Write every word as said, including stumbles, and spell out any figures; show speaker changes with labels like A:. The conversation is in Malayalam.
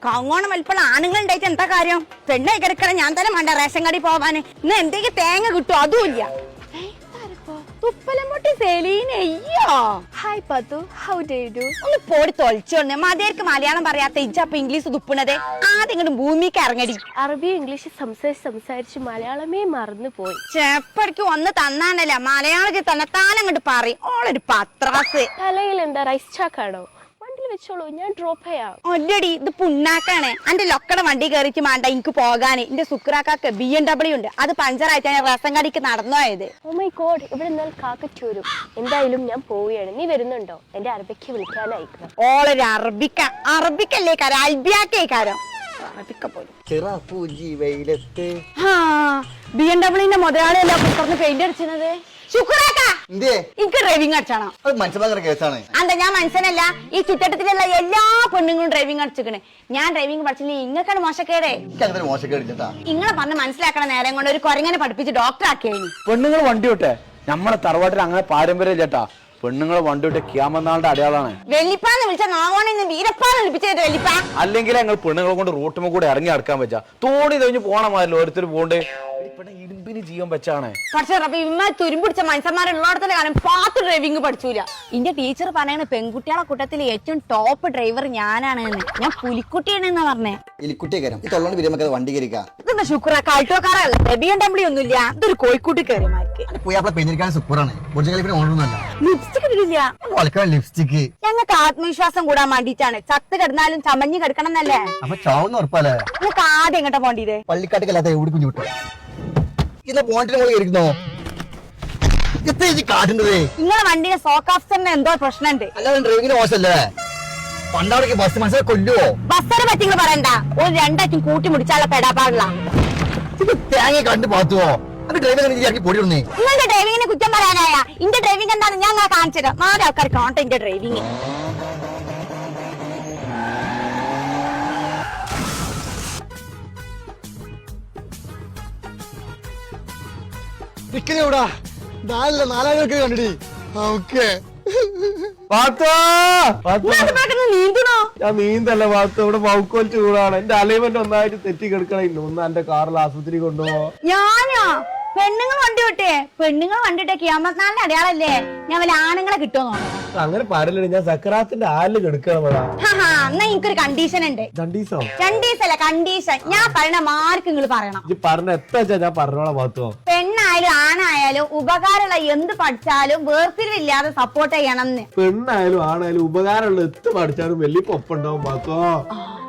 A: കങ്ങോണം വലിപ്പുള്ള ആണുങ്ങൾ ഉണ്ടായിട്ട് എന്താ കാര്യം? പെണ്ണായി കിടക്കണം ഞാൻ തന്നെ വേണ്ട റേഷൻ കടി പോവാന്. ഇന്ന് എന്തെങ്കിലും തേങ്ങ കിട്ടും അതുമില്ല. ഒന്ന് പോടി തൊളിച്ചോണ്ട് മതിയാർക്ക് മലയാളം പറയാത്ത ഇജ്ജപ്പ ഇംഗ്ലീഷ് തുപ്പണത്. ആദ്യം ഇങ്ങോട്ട് ഭൂമിക്ക് ഇറങ്ങടി.
B: അറബി ഇംഗ്ലീഷ് സംസാരിച്ച് സംസാരിച്ച് മലയാളമേ മറന്നു പോയി.
A: ചെപ്പടിക്ക് ഒന്ന് തന്നാനല്ല മലയാളത്തിൽ തന്നെ താനങ്ങോട്ട് പറയും. ഓളൊരു പത്രാസ്.
B: തലയിൽ എന്താ റൈസ് ചാക്കാണോ? വണ്ടിയിൽ വെച്ചോളൂ, ഞാൻ ഡ്രോപ്പ് ചെയ്യാം.
A: ഒല്ലടി ഇത് പുണ്ണാക്കാണ്. എന്റെ ലൊക്കട വണ്ടി കയറിച്ച് വേണ്ട എനിക്ക് പോകാന്. എന്റെ സുക്രാക്കാക്ക് ബി എം ഡബ്ല്യു ഉണ്ട്. അത് പഞ്ചറായിട്ട് ഞാൻ റേഷൻ കടിക്ക് നടന്നോയത്.
B: ഓ മൈ ഗോഡ്, ഇവിടെ നിന്നാൽ കാക്കറ്റൂരും. എന്തായാലും ഞാൻ പോവുകയാണ്. നീ വരുന്നുണ്ടോ? എന്റെ അറബിക്ക് വിളിക്കാനായിക്കണം.
A: ഓളൊരു അറബിക്ക അറബിക്കല്ലേ കാരം അൽബിയാക്കേക്കാരം അറബിക്ക പോലും. ബി എം ഡബ്ല്യൂന്റെ മുതലാളിയല്ല പുറത്തുനിന്ന് പെയിന്റ് അടിച്ചത്. എനിക്ക് ഡ്രൈവിംഗ് അടിച്ചാണോ? അന്താ ഞാൻ മനസ്സിലല്ല. ഈ ചുറ്റട്ടത്തിലുള്ള എല്ലാ പെണ്ണുങ്ങളും ഡ്രൈവിംഗ് അടിച്ചിക്കണേ. ഞാൻ ഡ്രൈവിംഗ് പഠിച്ചില്ലേ ഇങ്ങക്കാണ് മോശക്കേടേ. ഇങ്ങളെ പറഞ്ഞ് മനസ്സിലാക്കണ നേരം കൊണ്ട് ഒരു കൊരങ്ങനെ പഠിപ്പിച്ച് ഡോക്ടർ ആക്കിയായി.
C: പെണ്ണുങ്ങൾ വണ്ടി വിട്ടെ. നമ്മളെ തറവാട്ടിൽ അങ്ങനെ പാരമ്പര്യം ചേട്ടാ. പെണ്ണുങ്ങളെ വണ്ടി വിട്ട് ക്യാമനാളുടെ അടയാളാണ്.
A: വെള്ളിപ്പാന്ന് വിളിച്ച നാവോണിന്ന് വീരപ്പാന്ന് വിളിപ്പിച്ചത് വെള്ളിപ്പ.
C: അല്ലെങ്കിൽ ഞങ്ങൾ പെണ്ണുങ്ങളെ കൊണ്ട് റൂട്ടുമ്പോ കൂടെ ഇറങ്ങി അടുക്കാൻ പറ്റാ. തോണി കഴിഞ്ഞ് പോണ മാതിരി ഓരോരുത്തർ പോണ്ട്. ഇരുമ്പിന് ജീവൻ വെച്ചാണ്.
A: പക്ഷെ ഇമ്മ തുരുമ്പിടിച്ച മനുഷ്യന്മാരുള്ളടത്തിന്റെ കാലം പാത്ത് ഡ്രൈവിംഗ് പഠിച്ചൂല. എന്റെ ടീച്ചർ പറയണ പെൺകുട്ടികളെ കൂട്ടത്തിൽ ഏറ്റവും ടോപ്പ് ഡ്രൈവർ ഞാനാണ്. ഞാൻ പുലിക്കുട്ടിയാണെന്നാ പറഞ്ഞേ. ഇതെന്താ ശുക്ര കാൾട്ടോക്കാരല്ല ബി എം ഡബ്ല്യൂ ഒന്നുമില്ല. ഇതൊരു കോഴിക്കൂട്ടി കയറിമാർക്ക്.
D: ലിപ്സ്റ്റിക്
A: ഞങ്ങൾക്ക് ആത്മവിശ്വാസം കൂടാൻ വേണ്ടിട്ടാണ്. ചത്ത് കിടന്നാലും ചമഞ്ഞ് കിടക്കണം എന്നല്ലേ. നിങ്ങൾക്ക് ആദ്യം എങ്ങോട്ടാ പോണ്ടത്?
D: പള്ളിക്കാട്ടിക്കല്ലാത്ത എവിടെ കുഞ്ഞു വിട്ടോ ഇന്ന് പോണ്ടിരിക്കുന്നോ കാട്ടുന്നത്?
A: നിങ്ങളെ വണ്ടിയുടെ സോക്ക് ഓഫീസറിന് എന്തോ പ്രശ്നമുണ്ട്.
D: അല്ലാതെ ഡ്രൈവിംഗിന് മോശമല്ലേ? പണ്ടവിടേക്ക് ബസ് മനസ്സിലാക്കി കൊല്ലുവോ?
A: ബസ്സിനെ പറ്റി നിങ്ങൾ പറയണ്ട. ഒരു രണ്ടാറ്റും കൂട്ടി മുടിച്ചാലുള്ള പെടാപ്പാടില്ല.
D: ഇത് തേങ്ങ കണ്ടു പാത്തുവോ? അത് ഡ്രൈവിംഗ് പൊടി ഇടുന്നേ.
A: നിങ്ങളുടെ ഡ്രൈവിംഗിനെ കുറ്റം പറയാനായ ഇന്റെ ഡ്രൈവിംഗ് എന്താണെന്ന് ഞാൻ കാണിച്ചത്. നാല് ആൾക്കാർ കാണട്ടെ എന്റെ ഡ്രൈവിംഗ്.
D: എവിടാ നാലല്ല നാലാളുകൾക്ക് കണ്ടിടി.
A: നീന്തണോ?
C: ഞാൻ നീന്തല്ല പാത്തു. ഇവിടെ മൗക്കോൽ ചൂടാണ്. എന്റെ അലൈൻമെന്റ് ഒന്നായിട്ട് തെറ്റി കിടക്കണില്ല. ഒന്ന് എന്റെ കാറിൽ ആശുപത്രി കൊണ്ടുപോവാ.
A: ഞാനോ? പെണ്ണുങ്ങൾ വണ്ടി വിട്ടേ. പെണ്ണുങ്ങൾ വണ്ടി വിട്ടേ ക്യാമറനാളിന്റെ അടയാളല്ലേ. ഞാൻ വല്ല ആണുങ്ങളെ കിട്ടുമോ?
C: അങ്ങനെ പറയല്ലേ. ഞാൻ സക്കറാത്തിന്റെ ആലില് കിടക്കണം.
A: എന്നാ എനിക്കൊരു കണ്ടീഷൻ ഉണ്ട്.
C: രണ്ടീസോ?
A: രണ്ടീസല്ല കണ്ടീഷൻ. ഞാൻ പറയണ മാർക്ക് നിങ്ങൾ പറയണം.
C: പറഞ്ഞ എത്ര ഞാൻ പറഞ്ഞോളാം പാത്തോ.
A: പെണ്ണായാലും ആണായാലും ഉപകാരമുള്ള എന്ത് പഠിച്ചാലും വേർതിരിവില്ലാതെ സപ്പോർട്ട് ചെയ്യണം.
C: പെണ്ണായാലും ആണായാലും ഉപകാരമുള്ള എത്ത് പഠിച്ചാലും വലിയ പൊപ്പുണ്ടാവും പാത്തോ.